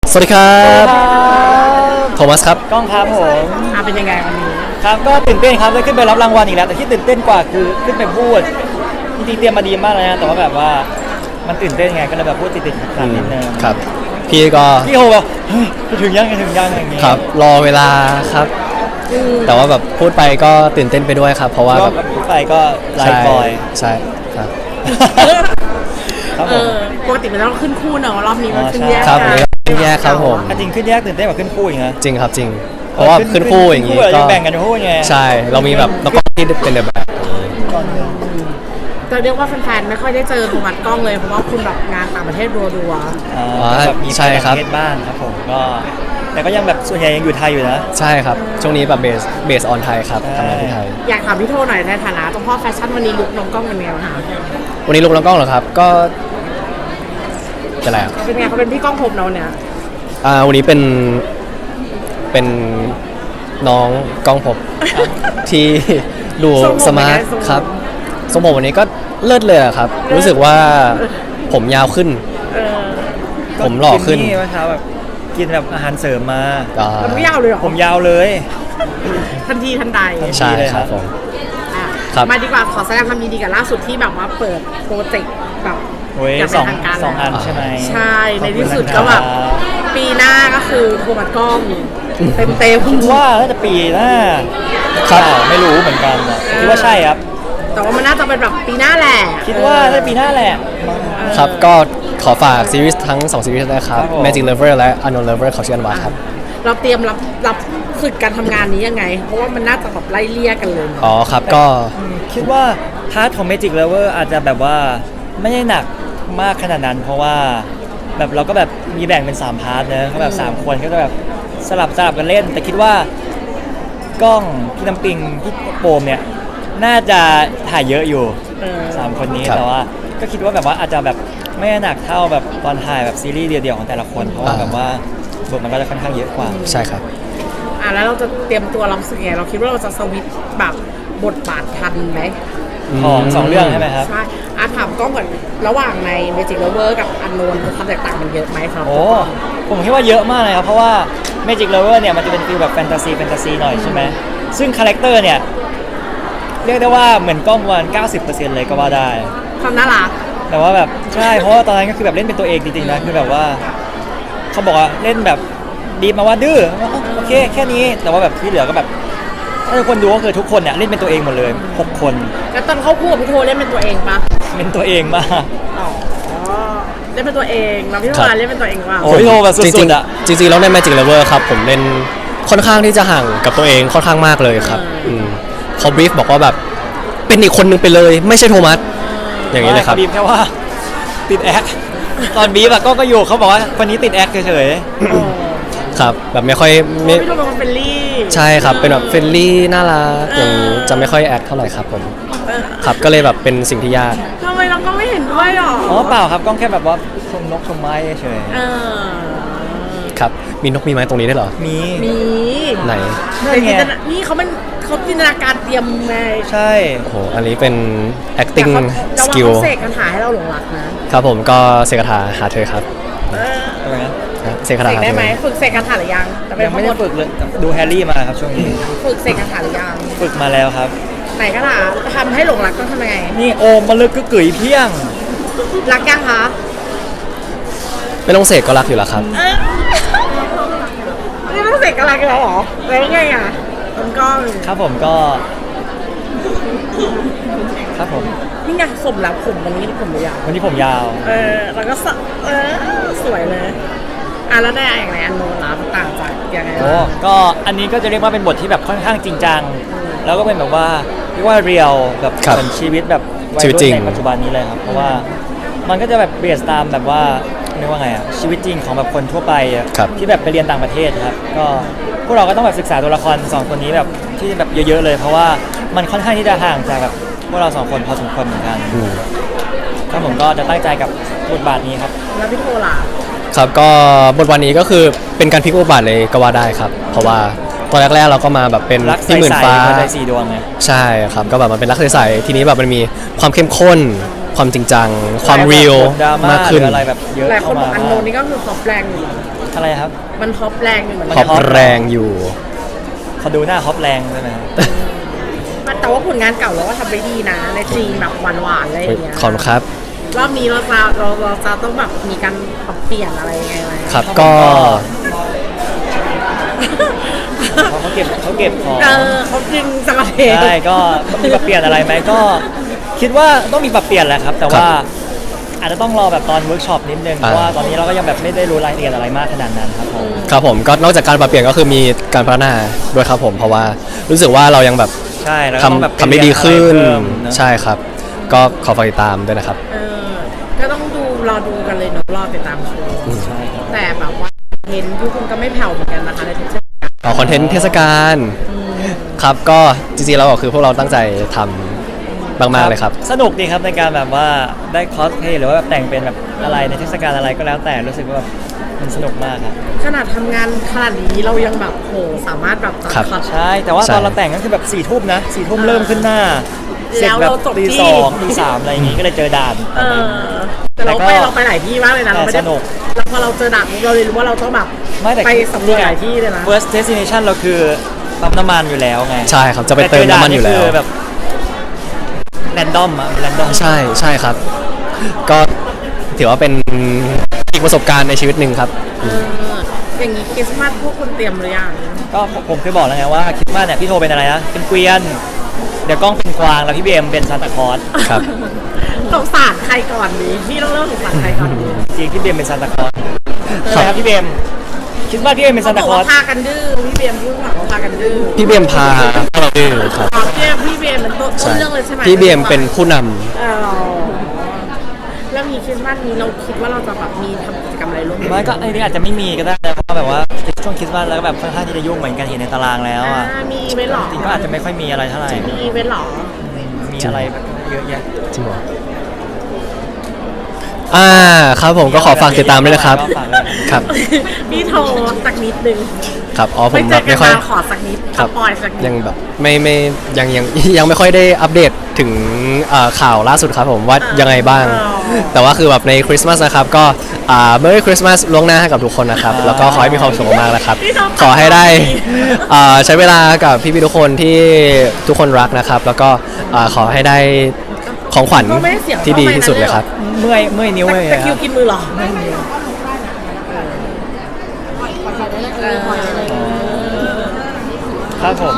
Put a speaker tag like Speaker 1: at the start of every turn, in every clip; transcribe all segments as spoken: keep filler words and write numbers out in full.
Speaker 1: สวัสดีครับโทมัสครับ
Speaker 2: กล้องครับผม
Speaker 3: อ่ะเป็นยังไงวันนี้
Speaker 2: ครับก็ตื่นเต้นครับได้ขึ้นไปรับรางวัลอีกแล้วแต่ที่ตื่นเต้นกว่าคือขึ้นไปพูดจริงๆเตรียมมาดีมากเลยนะแต่ว่าแบบว่ามันตื่นเต้นไงก็เลยแบบพูดติดๆขัดๆนิดนึง
Speaker 1: ครับพี่ก็
Speaker 2: พี่โฮแบบเฮ้ยจะถึงยังจะถึงยังอย่างเงี้ย
Speaker 1: ครับรอเวลาครับแต่ว่าแบบพูดไปก็ตื่นเต้นไปด้วยครับเพราะว่าแบบ
Speaker 2: พูดไปก็ไลฟ์บอย
Speaker 1: ใช่ครับ
Speaker 2: ครับผม
Speaker 3: ปกติมันต้องขึ้นคู่เนอะรอบนี้มันขึ้นแยก
Speaker 1: ครับขึ้นแยกครับผม
Speaker 2: จริงขึ้นแยกตื่นเต้นกว่าขึ้นคู่อีกนะ
Speaker 1: จริงครับจริงเพราะว่าขึ้นคู่อย่างงี้
Speaker 2: ก็แบ่งกันคู่ไง
Speaker 1: ใช่เรามีแบบนักกล้องที่เป็นแบบ
Speaker 3: จะเรียกว่าแฟนๆไม่ค่อยได้เจอโทมัสกล้องเลยเพราะว่าคุณแบบงานต่างประเทศรัว
Speaker 2: ๆอ๋อแบบมีต่างประเทศบ้างครับผมก็แต่ก็ยังแบบส่วนใหญ่ยังอยู่ไทยอยู่นะ
Speaker 1: ใช่ครับช่วงนี้แบบเบสเบสออนไทยครับทำงานที่ไทย
Speaker 3: อยากถามพี่โทหน่อยในฐานะเจ้าพ่อแฟชั่นวันนี้ลุคน้องกล้องเป็นไงบ้างคะ
Speaker 1: วันนี้ลุคน้องกล้องเหรอครับก็จะอะไร
Speaker 3: เป็นไงเขาเป็นพี่กล้องผมเราเนี่ย
Speaker 1: อ่าวันนี้เป็นเป็นน้องกล้องผมที่ดูสมาร์ทครับทรงผมวันนี้ก็เลิศเลยครับรู้สึกว่าผมยาวขึ้นผมหล่อขึ้น
Speaker 2: นี่เมื่อเช้าแบบกินแบบอาหารเสริมมา
Speaker 3: มันไม่ยาวเลยหรอ
Speaker 2: ผมยาวเลย
Speaker 3: ทันทีทันใด
Speaker 1: ใช่ครับผม
Speaker 3: มาดีกว่าขอแสดงความยินดีกับล่าสุดที่แบบว่าเปิดโปรเจกต์แบบ
Speaker 2: อย่างเป็นทางการสองอันใช่ไหม
Speaker 3: ใช่ในที่สุดก็แบบปีหน้าก็คือโทมัสกล้องเต็มเต็ม
Speaker 2: คิดว่าน่าจะปีหน้าครับไม่รู้เหมือนกันคิดว่าใช่ครับ
Speaker 3: แต่ว่ามันน่าจะเป็นแบบปีหน้าแหละ
Speaker 2: คิดว่าน่าจะปีหน้าแหละ
Speaker 1: ครับก็ขอฝากซีรีส์ทั้งสองซีรีส์นะครับ Magic Lover และ Unknown Lover ของชื่ออันวาครับ
Speaker 3: เราเตรียมรับรับฝึกการทำงานนี้ยังไงเพราะว่ามันน่าจะแบบไล่เลี่ยกันเลย
Speaker 1: อ๋อครับก็
Speaker 2: คิดว่าพาร์ทของ Magic Lover อาจจะแบบว่าไม่ได้หนักมากขนาดนั้นเพราะว่าแบบเราก็แบบมีแบ่งเป็นสามพาร์ทเนอะเขาแบบสามคนก็จะแบบสลับสลับกันเล่นแต่คิดว่ากล้องพี่น้ำปิงพี่โปมเนี่ยน่าจะถ่ายเยอะอยู่สามคนนี้แต่ว่าก็คิดว่าแบบว่าอาจจะแบบไม่หนักเท่าแบบตอนถ่ายแบบซีรีส์เดียวๆของแต่ละคนเพราะว่าแบบว่าบทมันก็จะค่อนข้างเยอะกว่า
Speaker 1: ใช่ครับ
Speaker 3: อ่ะแล้วเราจะเตรียมตัวรับสึกไงเราคิดว่าเราจะสวิตช์แบบบทบาททันไหม
Speaker 2: ของสองเรื่องใช่ไหมครับ
Speaker 3: ใช่อาถามกล้องก่อนระหว่างใน Magic Lover กับ Unknown ความแตกต่างมันเยอะไหมครับ
Speaker 2: โอ้ผมคิดว่าเยอะมากเลยครับเพราะว่า Magic Lover เนี่ยมันจะเป็นฟีลแบบแฟนตาซีแฟนตาซีหน่อยใช่ไหมซึ่งคาแรคเตอร์เนี่ยเรียกได้ว่าเหมือนกล้องวัน เก้าสิบเปอร์เซ็นต์ เลยก็ว่าได้
Speaker 3: ความน่ารัก
Speaker 2: แต่ว่าแบบใช่เพราะว่าตอนนั้นก็คือแบบเล่นเป็นตัวเองจริงๆนะคือแบบว่าเขาบอกว่าเล่นแบบดีมาว่าดื้อโอเคแค่นี้แต่ว่าแบบที่เหลือก็แบบถ้าทุกคนดูก็คือทุกคนเนี่ยเล่นเป็นตัวเองหมดเลยหกคน
Speaker 3: แล้วตอนเข้าคู่กับพี่โทเล่นเป็นตัวเองปะ
Speaker 2: เป็นตัวเองมาก
Speaker 3: อ๋อเล่นเป็นตัวเองแล้วพี่โทเล่นเป็นตัวเองว่า
Speaker 2: โอ้พี่โทแบบสุดๆอ่ะ
Speaker 1: จริงๆแล้วใน Magic Lover ครับผมเล่นค่อนข้างที่จะห่างกับตัวเองค่อนข้างมากเลยครับเขาบรีฟบอกว่าแบบเป็นอีกคนนึงไปเลยไม่ใช่โทมัสอย่างนี้เลยครับ
Speaker 2: บีฟแค่ว่าติดแอคตอนบีฟอะก็ก็อยู่เขาบอกว่าวันนี้ติดแอคเฉย
Speaker 1: ๆครับแบบไม่ค่อย
Speaker 3: ไม่พี่โทเป็นเฟรนลี่
Speaker 1: ใช่ครับเป็นแบบเฟรนลี่น่ารักอย่างนี้จะไม่ค่อยแอคเท่าไหร่ครับผมครับก็เลยแบบเป็นสิ่งที่ยาก
Speaker 3: ทำไมเราก็ไม่เห็นด้วยหรอ
Speaker 2: อ๋อเปล่าครับก็แค่แบบว่าชมนกชมไม้เฉย
Speaker 1: ครับมีนกมีไม้ตรงนี้ได้เหรอ
Speaker 2: มี
Speaker 3: มี
Speaker 1: ไหน
Speaker 3: นี่เขามันเขาจินตนาการเตรียมไง
Speaker 2: ใช่
Speaker 1: โอ้โหอันนี้เป็น acting skill
Speaker 3: เสกคาถาให้เราหลงรัก
Speaker 1: นะครับผมก็เสกคาถาหาเธอครับ
Speaker 2: อะไรนะ
Speaker 1: เสกคาถา
Speaker 3: ได้ไหมฝึกเสกคาถาหรือยัง
Speaker 2: ยังไม่ได้ฝึกเลยดูแฮร์รี่มาครับช่วงนี้
Speaker 3: ฝึกเสกคาถาหรือยัง
Speaker 2: ฝึกมาแล้วครับ
Speaker 3: ไหนคาถาทำให้หลงรักต้องทำยังไง
Speaker 2: นี่โอมมาลึกก็เกยเพี้ยง
Speaker 3: รักยังคะ
Speaker 1: ไม่ต้องเสกก็รักอยู่แล้วครับ
Speaker 3: ไม่ต้องเสกก็รักอยู่แล้วหรอแล้วไงอ่ะมันก็
Speaker 2: ครับผมก็ครับผม
Speaker 3: นี่ไงผมแล้วผมวันนี้ผมยาว
Speaker 2: วันนี้ผมยาว
Speaker 3: เออแล้วก็เออสวยเลยอ่ะแล้วได้อย่างไรอันโน้นล่ะต่างจากยังไง
Speaker 2: โอ้ก็อันนี้ก็จะเรียกว่าเป็นบทที่แบบค่อนข้างจริงจังแล้วก็เป็นแบบว่าเรียกว่าเรียลแบบเหมือนชีวิตแบบวัยรุ่นในปัจจุบันนี้เลยครับเพราะว่ามันก็จะแบบเบสตามแบบว่าเรียกว่าไงอ่ะชีวิตจริงของแบบคนทั่วไปที่แบบไปเรียนต่างประเทศครับก็พวกเราก็ต้องแบบศึกษาตัวละครสองคนนี้แบบที่แบบเยอะๆเลยเพราะว่ามันค่อนข้างที่จะห่างจากแบบพวกเราสองคนพอสมควรเหมือนกันครับผมก็จะตั้งใจกับบทบาทนี้ครับ
Speaker 3: แล้วพี่โทล่ะ
Speaker 1: ครับก็บทบาทนี้ก็คือเป็นการพลิกบทบาทเลยก็ว่าได้ครับเพราะว่าตอนแรกๆเราก็มาแบบเป็น
Speaker 2: ที่หมื่นฟ้าใจสีดวงไง
Speaker 1: ใช่ครับก็แบบมันเป็นรักใสๆทีนี้แบบมันมีความเข้มข้นความจริงจังความเรียล
Speaker 2: ดราม่าม
Speaker 1: ากขึ้น
Speaker 2: หรืออะไรแบบเยอะ
Speaker 3: หลายคน
Speaker 2: เข้า
Speaker 3: บ
Speaker 2: มา
Speaker 3: อกอันโนนนี่ก็คือฮอปแรงอยู่
Speaker 2: อะไรครับ
Speaker 3: มันฮอปแรงอยู่เหมือน
Speaker 1: ข
Speaker 3: กั
Speaker 1: อน บแรงอยู่
Speaker 2: เขาดูหน้าฮอปแรงใช่ไหมครับ
Speaker 3: แต่ว่าผลงานเก่าเราก็ทำได้ดีนะ ในซีนแบบหวานๆอะไรอย่างเงี้ย
Speaker 1: ขอบคุณครับ
Speaker 3: รอบนี้เราจะเราเราจะต้องแบบมีการปรับเปลี่ยนอะไรยังไงไหม
Speaker 1: ครับก็
Speaker 2: เพราะเขาเก็บเขาเก็บของ
Speaker 3: เออเขาจริงสังเกต
Speaker 2: ใช่ก็มีปรับเปลี่ยนอะไรไหมก็คิดว่าต้องมีปรับเปลี่ยนแหละครับ แต่ว่าอาจจะต้องรอแบบตอนเวิร์กช็อปนิดนึงเพราะว่าตอนนี้เราก็ยังแบบไม่ได้รู้รายละเอียดอะไรมากขนาดนั้นครับผม
Speaker 1: ครับผมก็นอกจากการปรับเปลี่ยนก็คือมีการพัฒนาด้วยครับผมเพราะว่ารู้สึกว่าเรายังแบบ
Speaker 2: ใช่แล้วก็ต้องแบบ
Speaker 1: ทำทำได้ดีขึ้น
Speaker 2: เรียอะไรเพิ่มเนอะ
Speaker 1: ใช่ครับ ก็ขอฝากติดตามด้วยนะครับ
Speaker 3: เออก็ต้องดูรอดูกันเลยเนอะรอติดตามชม
Speaker 2: ใช่ครับ
Speaker 3: แต่แบบว่าเห็นทุกคนก็ไม่แผ่วเหมือนกันนะคะในทุกเรื่อง
Speaker 1: ต่อคอนเทนต์เทศกาลครับก็จริงๆแล้วก็คือพวกเราตั้งใจทำมากๆเลยครับ
Speaker 2: สนุกดีครับในการแบบว่าได้คอสเพลย์หรือว่าแบบแต่งเป็นแบบอะไรในเทศกาลอะไรก็แล้วแต่รู้สึกว่าแบบมันสนุกมากครับ
Speaker 3: ขนาดทำงานขนาดนี้เรายังแบบโหสามารถแบบตัด
Speaker 1: ครับ
Speaker 3: คอต
Speaker 2: ใช่แต่ว่า
Speaker 1: ใช่
Speaker 2: ตอนเราแต่งก็คือแบบสี่ทุ่มนะสี่ทุ่มเริ่มขึ้นหน้าเสร็จ
Speaker 3: แล้ว
Speaker 2: แบบ
Speaker 3: เราจบ
Speaker 2: ตี
Speaker 3: ที่
Speaker 2: สองตีสามอะไรอย่างงี้ก็เลยเจอด่าน
Speaker 3: เออแต่เรา
Speaker 2: แต่ก็
Speaker 3: ไปเราไปหลายที่มากเลยนะเราไม่ได้
Speaker 2: แต่สนุก
Speaker 3: แล้วพอเราเจอดักเราเลยรู้ว่าเราต้องแบบ
Speaker 2: ไม่แต่
Speaker 3: ไปสำรวจหลายที่เลยนะ
Speaker 2: first destination เราคือปั๊มน้ำมันอยู่แล้วไง
Speaker 1: ใช่ครับจะไปเติมน้ำมันอยู่แล้ว
Speaker 2: ต่เจด่าคือแบบแรนดอมอะแรนดอม
Speaker 1: ใช่ใช่ครับ ก็ถือว่าเป็นอีกประสบการณ์ในชีวิตหนึ่งครับ
Speaker 3: เอออย่างนี้คริสต์มาสพวกคุณเตรียมหรือยัง
Speaker 2: ก็ผมเคยบอกแล้วไงว่าคริสต์มาสเนี่ยพี่โทเป็นอะไรนะเป็นเกวียน เดี๋ยวกล้องเป็นกวางแล้วพี่เบมเป็นซานตาคลอส
Speaker 1: ครับ
Speaker 3: สงสารใครก่อนดีพี่ต้องเริ่มสงสารใครก่อนดี
Speaker 2: จริงพี่เบมเป็นซานตาคลอส
Speaker 1: ค
Speaker 2: ใช่
Speaker 1: รับ
Speaker 2: ครับพี่เบมคิดว่าพี่เบมเป็นซานตา
Speaker 3: เขา
Speaker 2: ค
Speaker 3: บ
Speaker 2: ล
Speaker 3: อ
Speaker 2: อก ส
Speaker 3: ว่าพากันดื้อพี่เบียมพูดว่าเขาพากันดื้อ
Speaker 1: พี่เบียมพาเราดื้อครับ
Speaker 3: อ๋อพี่เบียมพี่เบียมเป็นต้นต้นเรื่องเลยใช่ไหม
Speaker 1: พี่เบียมเป็นผู้นำ
Speaker 3: เออแล้วมีคริสต์มาสนี้เราคิดว่าเราจะแบบมีทำกิจกรรมอะไรร่วมกัน
Speaker 2: มันก็ไอ้นี่อาจจะไม่มีก็ได้นะเพราะว่าแบบว่าช่วงคริสต์มาสแล้วก็แบบค่อนข้างที่จะยุ่งเหมือนกันเห็นในตารางแล้ว
Speaker 3: อ่า
Speaker 2: อ่ะ
Speaker 3: มีไว้หรอ
Speaker 2: จริงๆก็อาจจะไม่ค่อยมีอะไรเท่าไหร่
Speaker 3: มีไว้หรอ
Speaker 2: มีอะไรแบบเยอะแยะ
Speaker 1: จริงเหรออ่าครับผมก็ขอฝากติดตามด้วยนะครับ
Speaker 2: ก็ฝากด้วย
Speaker 1: ครับ
Speaker 3: พี่โทรสักนิดนึง
Speaker 1: ครับอ๋อผ
Speaker 3: ไม่
Speaker 1: ม
Speaker 3: เจ
Speaker 1: แบ
Speaker 3: อบ กัน
Speaker 1: ไม่ค่อย
Speaker 3: มาขอสักนิด
Speaker 1: ครับ
Speaker 3: สปอยสักนิด
Speaker 1: ยังแบบไม่ไม่ยังยังยังไม่ค่อยได้อัปเดตถึงเอ่อข่าวล่าสุดครับผมว่ายังไงบ้าง แต่ว่าคือแบบในคริสต์มาสนะครับก็อ่า Merry Christmas ล่วงหน้าให้กับทุกคนนะครับ แล้วก็ขอให้มีความสุขมากๆนะครับ ขอให้ได้อ่าใช้เวลากับพี่ๆทุกคนที่ทุกคนรักนะครับ แล้วก็อ่าขอให้ได้ของขวัญที่ดีที่สุดเลยครับ
Speaker 2: เมื่อยเมื่อยนิ้วเลย
Speaker 3: ตะ
Speaker 2: ค
Speaker 3: คิ
Speaker 2: รั
Speaker 3: ว
Speaker 2: บ
Speaker 3: กินมือเหรอเออ
Speaker 2: ครับผม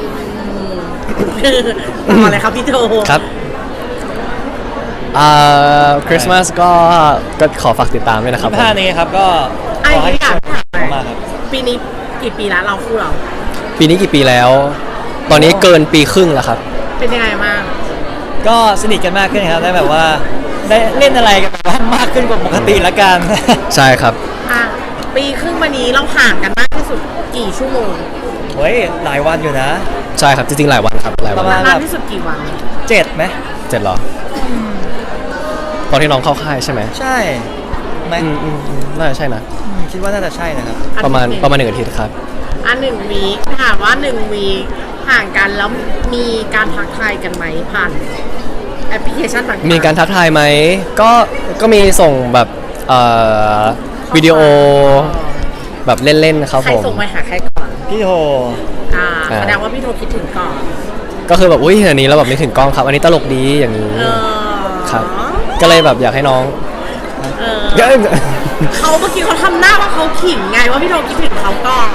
Speaker 3: ต่อเลยครับพี่โท
Speaker 1: ครับอ่าคริสต์มาสก็ก็ขอฝากติดตามด้วยนะครับผม
Speaker 2: ผ้านี้ครับก็
Speaker 3: ไอ้
Speaker 2: ขอให้
Speaker 3: ที่อยากถามหน่อย
Speaker 2: มากครับ
Speaker 3: ปีนี้กี่ปีแล้วเราคู่เรา
Speaker 1: ปีนี้กี่ปีแล้ว ตอนนี้เกินปีครึ่งแล้วครับ
Speaker 3: เป็นยังไงบ้าง
Speaker 2: ก็สนิทกันมากขึ้นครับได้แบบว่าได้เล่นอะไรกันแบบว่ามากขึ้นกว่าปกติละกัน
Speaker 1: ใช่ครับ
Speaker 3: อ่ะปีครึ่งมานี้เราห่างกันมากที่สุดกี่ชั่วโมง
Speaker 2: เฮ้ยหลายวันอยู่นะ
Speaker 1: ใช่ครับจริงๆหลายวันครับหลาย
Speaker 2: ป
Speaker 1: วั
Speaker 2: ระ
Speaker 1: น
Speaker 2: มาณ
Speaker 3: นานที่สุดกี่วัน
Speaker 2: เจ็ดไหม
Speaker 1: เจ็ดเหรอตอนที่น้องเข้าค่ายใช่ไหม
Speaker 2: ใช่ไหม
Speaker 1: อืมอืมอืมน่าจะใช่นะ
Speaker 2: อืมคิดว่าน่าจะใช่นะครับ
Speaker 1: ประมาณประมาณหนึ่งอาทิตย์ครับ
Speaker 3: อันหนึ่งวีคถามว่าหนึ่งวีคห่างกันแล้วมีการทักทายกันไหมผ่านแอปพลิเคชันต่างๆ
Speaker 1: มีการทักทายไหมก็ก็มีส่งแบบเอ่อวิดีโอแบบเล่นๆครับ
Speaker 3: ใคร
Speaker 1: ผม
Speaker 3: ส่งไปหาใครก่อน
Speaker 2: พี่โท
Speaker 3: อ่า
Speaker 1: อ่า
Speaker 3: แสดงว่าพี่โทรคิดถึงก่อน
Speaker 1: ก็คือแบบอุ้ยอันนี้เราแบบไม่ถึงกล้องครับ อันนี้ตลกดีอย่างนี้
Speaker 3: เออ
Speaker 1: ครับ ก็เลยแบบอยากให้น้อง
Speaker 3: เออ
Speaker 1: เยอะ
Speaker 3: เขาเมื่อกี้เขาทำหน้าว่าเขาขิงไงว่าพี่โทรคิดถึงเขาก่อน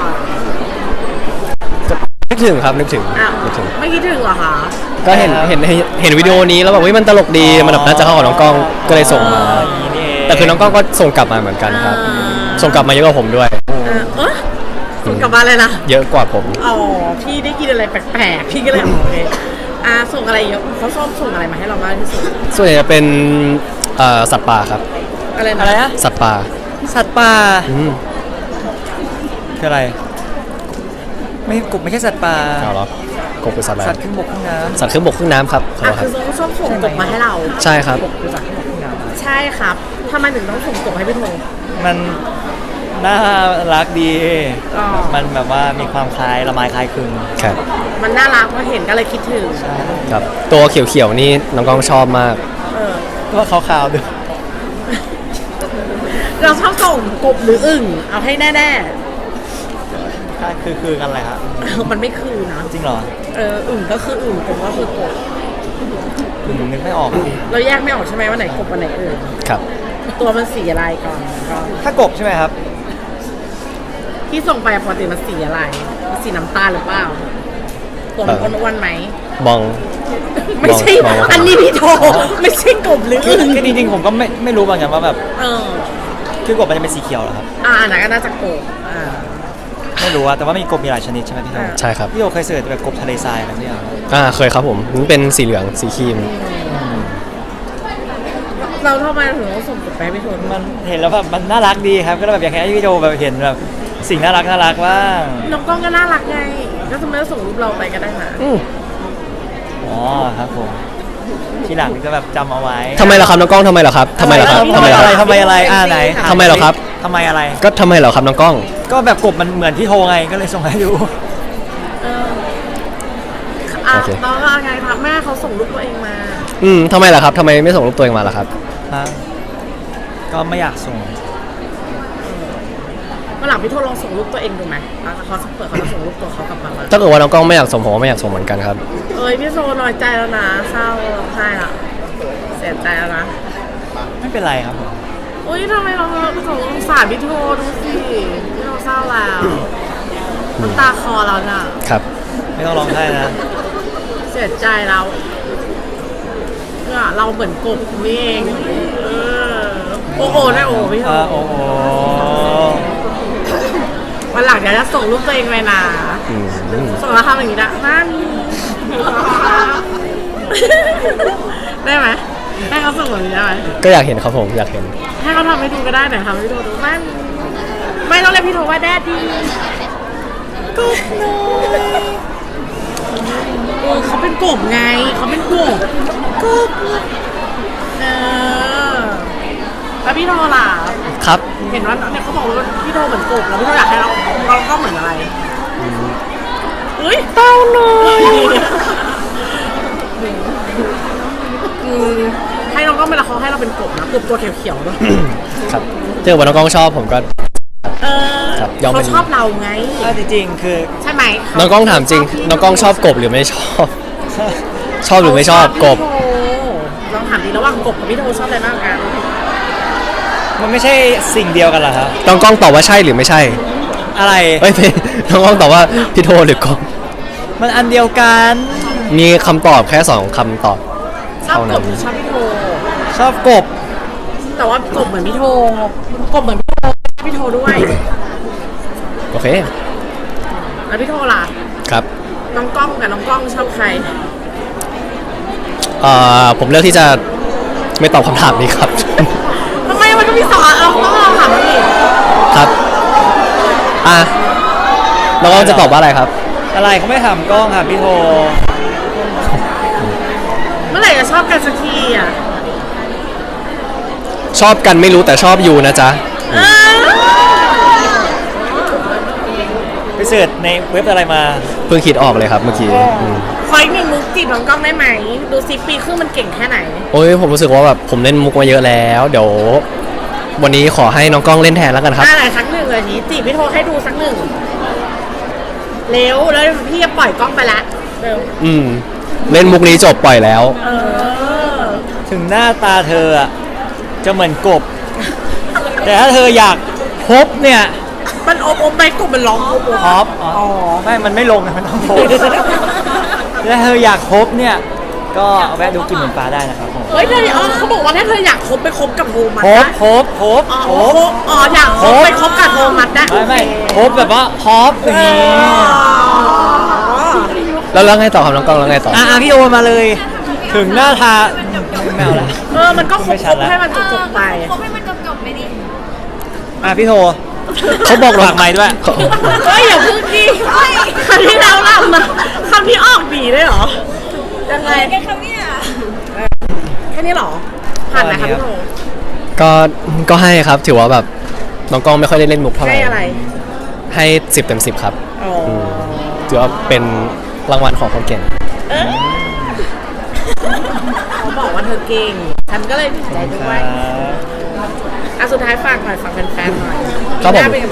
Speaker 1: นึกถึงครับนึกถึง
Speaker 3: อ้าว
Speaker 1: นึกถึง
Speaker 3: ไม่คิดถึงเหรอคะ
Speaker 1: ก็เห็นเห็นเห็นวิดีโอนี้แล้วแบบเฮ้ยมันตลกดีมันแบบน่าจะเข้ากับน้องกล้องก็เลยส่งมา
Speaker 2: อ๋ออย่างนี้นี่เอง
Speaker 1: แต่คือน้องกล้องก็ส่งกลับมาเหมือนกันครับ ส่งกลับมาเยอะกว่าผมด้วย
Speaker 3: เออเออส่งกลับมาเลยนะ
Speaker 1: เยอะกว่าผม
Speaker 3: อ๋อพี่ได้กินอะไรแปลกๆพี่ก็เลยโอเคอ่าส่งอะไรเยอะเขาชอบส่งอะไรมาให้เรามากที่สุด
Speaker 1: ส่วนใหญ่จะเป็นเอ่อสัตว์ป่าครับ
Speaker 3: อะไรนะ
Speaker 2: อะไรนะ
Speaker 1: สัตว์ป่า
Speaker 2: สัตว์ป่า
Speaker 1: อืม
Speaker 2: คืออะไร ไม่กบไม่ใช่สัตว์ป่า
Speaker 1: เอาเหรอกบคือสัตว์อะไร
Speaker 2: สัตว์ขึ้นบกขึ้นน้
Speaker 1: สัตว์ขึ้นบกขึ้นน้ำครับขอ
Speaker 3: อ่ะ
Speaker 1: โทษค
Speaker 3: คื
Speaker 1: รั
Speaker 3: อบ เขาชอบส่งกบมาให้เรา
Speaker 1: ใช่ครับ
Speaker 2: ำคือสัตว์ขึ้นบกขึ้นน้
Speaker 3: ใช่ครับทำไมถึงต้องส่งกบให้พี่โท
Speaker 2: ำมันน่ารักดี
Speaker 3: อ๋อ
Speaker 2: มันแบบว่ามีความคล้ายละไมคล้ายคลึง
Speaker 1: ครับ
Speaker 3: มันน่ารักพอเห็นก็เลยคิดถึง
Speaker 1: ครับ ตัวเขียวๆนี่น้องกล้องชอบมาก
Speaker 3: เออ
Speaker 2: ตัวขาวๆด้วย
Speaker 3: เราชอบส่งกบหรืออึ่งเอาให้แน่
Speaker 2: คือคือกันอะไรครับ
Speaker 3: ๆ มันไม่คือนะ
Speaker 2: จริงเหรอ
Speaker 3: เอออึ่งก็คืออึ่งกบก็คือกบ
Speaker 2: ผมนึกไม่ออก
Speaker 3: เราแยกไม่ออกใช่ไหมว่าไหนกบว่าไหนอึ่ง
Speaker 1: ครับ
Speaker 3: ตัวมันสีอะไรก่อนก่อน
Speaker 2: ถ้ากบใช่ไหมครับ
Speaker 3: ที่ส่งไปปกติมันสีอะไรมันสีน้ำตาลหรือเปล่าตัวมันอ้วนๆไหม
Speaker 1: มอง
Speaker 3: ไม่ใช่
Speaker 1: มองว่า
Speaker 3: อันนี้พี่โทไม่ใช่กบหรือ
Speaker 2: คือ
Speaker 3: อึ่ง
Speaker 2: คือจริงๆผมก็ไม่ไม่รู้เหมือนกันว่าแบบ
Speaker 3: เออ
Speaker 2: คือกบมันจะเป็นสีเขียวเหรอครับ
Speaker 3: อ่าอันนั้นก็น่าจะกบอ่า
Speaker 2: ไม่รู้อะแต่ว่ามีกบมีหลายชนิดใช่ไหมพี่โต
Speaker 3: อ่า
Speaker 1: ใช่ครับ
Speaker 2: พี่โตเคยเสิร์ชแบบกบทะเลทรายอะไรไม่เอา
Speaker 1: อ่าเคยครับผมมันเป็นสีเหลืองสีครีม
Speaker 3: เราทำไมถึงต้องส่งกบไปให้พี่โท
Speaker 2: มันเห็นแล้วแบบมันน่ารักดีครับก็เลยแบบอยากให้พี่โตแบบเห็นแบบสิ่งน่ารักน่ารักบ้าง
Speaker 3: น้องกล้องก็น่ารักไงก็ทำไมต้องส่งรูปเราไปก็ได้นะ
Speaker 1: อืม
Speaker 2: อ๋อครับผมทีหลังจะแบบจำเอาไว้
Speaker 1: ทำไมล่ะครับน้องกล้องทำไมล่ะครับทำไมล่ะครับ
Speaker 2: ทำ
Speaker 1: ทำ
Speaker 2: ไม
Speaker 1: ไมล่ะ
Speaker 2: อะ
Speaker 1: ค
Speaker 2: ไร
Speaker 1: รับ
Speaker 2: ทำไมอะไรอ่าไหน
Speaker 1: ทำไมเหรอครับ
Speaker 2: ทำไมอะไร
Speaker 1: ก็ทำไมเหรอครับน้องกล้อง
Speaker 2: ก็แบบกบมันเหมือนพี่โทไงก็เลยส่งให้ดู
Speaker 3: เอออ่ะ
Speaker 1: โอเค
Speaker 3: น้องก็ไงครับแม่เขาส่งรูปตัวเองมา
Speaker 1: อืมทำไมล่ะครับทำไมไม่ส่งรูปตัวเองมาล่ะครับ
Speaker 2: ฮะก็ไม่อยากส่ง
Speaker 3: เมื่อหลังพี่โทลองส่งรูปตัวเองดูไหมแล้วเขาเปิดเขาจะส่งรูปตัวเขากลับมา
Speaker 1: ถ้าเกิดว่าน้องกล้องไม่อยากส่งผมก็ไม่อยากส่งเหมือนกันครับ
Speaker 3: เอ้ยพี่โซน้อยใจแล้วนะเศร้าร้องไห้ละเสียใจแล้วนะ
Speaker 2: ไม่เป็นไรครับผม
Speaker 3: อุ้ยทำไมเราสงสารพี่โทดูสิพี่โทเศร้าแล้วน้ำตาคอเราน่ะ
Speaker 1: ครับ
Speaker 2: ไม่ต้องร้องไห้นะ
Speaker 3: เสียใจแล้วเนี่ยเราเหมือนกบนี่เองเออโอ้โหได้โอ้พี่โท
Speaker 2: อ่าโอ้โห
Speaker 3: วันหลังเดี๋ยวจะส่งรูปตัวเองไปนะ
Speaker 1: อืม
Speaker 3: ส่งแล้วทำอย่างนี้นะนั่นได้ไหมให้เขาส่งแบบนี้ได้ไหม
Speaker 1: ก็อยากเห็นครับผมอยากเห็น
Speaker 3: ให้เขาทำให้ดูก็ได้แต่ทำให้ดูดูนั่นไม่ต้องเรียกพี่โทว่าแดดดีกบน้อยเออเขาเป็นกบไงเขาเป็นกบกบเออแล้วพี่โทล่ะ
Speaker 1: ครับ
Speaker 3: เห็นว่าเนี่ยเขาบอกว่าพี่โทเหมือนกบแล้วพี่โทอยากให้เราเราก็เหมือนอะไรเฮ้ยเต้าหน่อยอืมให้น้องก็เวลาเขาให้เราเป็นกบนะกบตัวเขียวๆด้วย
Speaker 1: ครับถ้าเกิดว่าน้องกล้องชอบผมก็
Speaker 3: เออ
Speaker 1: ครับยอมเป็
Speaker 3: เขา
Speaker 1: น
Speaker 3: ชอบเราไง
Speaker 2: ถ้าจริงๆคือ
Speaker 3: ใช่ไหมเข
Speaker 1: น้องกล้องถามจริง น้องกล้องชอบกบหรือไม่ชอบ ชอบหรือไม่ชอบกบ
Speaker 3: พี่โทลองถามดีระหว่างกบกับพี่โทชอบอะไรมากกัน
Speaker 2: มันไม่ใช่สิ่งเดียวกันเหรอครับ
Speaker 1: น้องกล้องตอบว่าใช่หรือไม่ใช่
Speaker 2: อะไร
Speaker 1: เอ้ย ไม่น้องกล้องตอบว่าพี่โทหรือกบ
Speaker 2: มันอันเดียวกัน
Speaker 1: มีคำตอบแค่สองคำตอบ
Speaker 3: ชอบ
Speaker 1: เท่าก นั้น
Speaker 3: บหรือชอบพี่โท
Speaker 2: ชอบกบ
Speaker 3: แต่ว่ากบเหมือนพี่โทกบเหมือนพี่โทพี่โทด้วย
Speaker 1: โอเค
Speaker 3: แล้วพี่โทล่ะ
Speaker 1: ครับ
Speaker 3: น้องกล้องกับน้องกล้องชอบใคร
Speaker 1: เอ่อผมเลือกที่จะไม่ตอบคำถามนี้ครับ
Speaker 3: ทำไมมันก็มีสอนเราต้องลองถามมันอีก
Speaker 1: ครับ อ่ะน้องกล้องจะตอบว่าอะไรครับ
Speaker 2: อะไรเขาไม่ถามกล้องถามพี่โท
Speaker 3: เมื่อไหร่จะชอบกันสักทีอ่ะ
Speaker 1: ชอบกันไม่รู้แต่ชอบอยู่นะจ๊ะ
Speaker 3: เออ
Speaker 2: ไปเสิร์ชในเว็บอะไรมา
Speaker 1: เพิ่งคิดออกเลยครับเมื่อกี้อืม
Speaker 3: คอยมีมุกจีบน้องกล้องได้ไหม ดูซิปีครึ่งมันเก่งแค่ไหน
Speaker 1: โอ้ยผมรู้สึกว่าแบบผมเล่นมุกมาเยอะแล้ว เดี๋ยว วันนี้ขอให้น้องกล้องเล่นแทนแล้วกันครับ
Speaker 3: อ่าไหนสักหนึ่งเลยนี้จีบพี่โทให้ดูสักหนึ่งเร็วแล้วพี่จะปล่อยกล้องไปละเร็ว
Speaker 1: อืม เล่นมุกนี้จบปล่อยแล้ว
Speaker 3: เออ
Speaker 2: ถึงหน้าตาเธออะจะเหมือนกบ แต่ถ้าเธออยากพบเนี่ย
Speaker 3: มันอบอมไปกบมันร้องอบอม
Speaker 2: พบอ๋อไม่มันไม่ลงนะมันต้องโพสถ้าเธออยากพบเนี่ย ก็แวะดูกินเหมือนปลาได้นะครับผม
Speaker 3: เฮ้ยเธออ๋อเขาบอกว่าถ้าเธออยากคบไปคบกับโทมัส
Speaker 2: พบ
Speaker 3: นะ
Speaker 2: พบพบ
Speaker 3: อ๋อ
Speaker 2: พบ
Speaker 3: อ๋ออยากคบไปคบกับโทมัสได้
Speaker 2: ไม่ไม่พบแบบว่าพบอย่างนี้
Speaker 1: แล้วแล้วไงต่อครับน้องกล้องแล้วไงต่อ
Speaker 2: อ่ะอ่ะพี่โอมาเลย ถึงหน้าทาไม่เอาละ
Speaker 3: เออมันก็คบ
Speaker 2: ไม่ชั
Speaker 3: ค
Speaker 2: ด
Speaker 3: บ
Speaker 2: ละ
Speaker 3: ให้มันจบๆไป
Speaker 4: คบให้มันจบๆไปดิ
Speaker 2: อ่ะพี่โท
Speaker 1: เขาบอก
Speaker 2: ฝากไม้ด้วย
Speaker 1: เขา
Speaker 3: เฮ้ยอย่าพึ่งดิคำที่เราเล่ามาคำที่ออกดีได้เหรอยังไง
Speaker 4: แกคำเนี่ย
Speaker 3: แค่นี้เหรอผ่านไหมครับพี่โท
Speaker 1: ก็ก็ให้ครับ ถือว่าแบบน้องกล้องไม่ค่อยได้เล่นมุกเท่าไหร่
Speaker 3: ให้อะไร
Speaker 1: ให้สิบเต็มสิบครับ
Speaker 3: อ๋อ
Speaker 1: ถือว่าเป็นรางวัลของคนเก่ง
Speaker 3: เขาบอกว่าเธอเก่งฉันก็เลยดีใจด้วยอ่ะสุดท้ายฝากหน่อยฝากแฟนๆหน่อย
Speaker 1: ครับผม
Speaker 3: ปีหน้า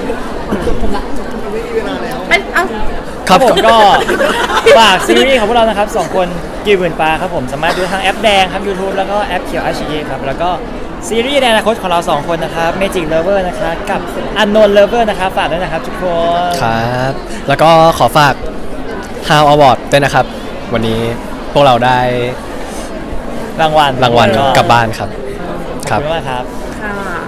Speaker 3: เป็นเอ้า
Speaker 1: ครับ
Speaker 2: ผมก็ ฝากซีรีส์ของพวกเรานะครับสองคนกีบหมื่นปลาครับผมสามารถดูทางแอปแดงครับ YouTube แล้วก็แอปเขียว อาร์ ซี เอ ครับแล้วก็ซีรีส์ในอนาคตของเราสองคนนะครับ Magic Lover นะครับกับ Unknown Lover นะครับฝากด้วยนะครับทุกคน
Speaker 1: ครับ แล้วก็ขอฝาก How Award ด้วยนะครับ วันนี้พวกเราได้
Speaker 2: รางวัล
Speaker 1: รางวัล
Speaker 2: ก็
Speaker 1: กลับบ้านครับ
Speaker 2: ขอบคุณมากครับ
Speaker 3: ค่ะ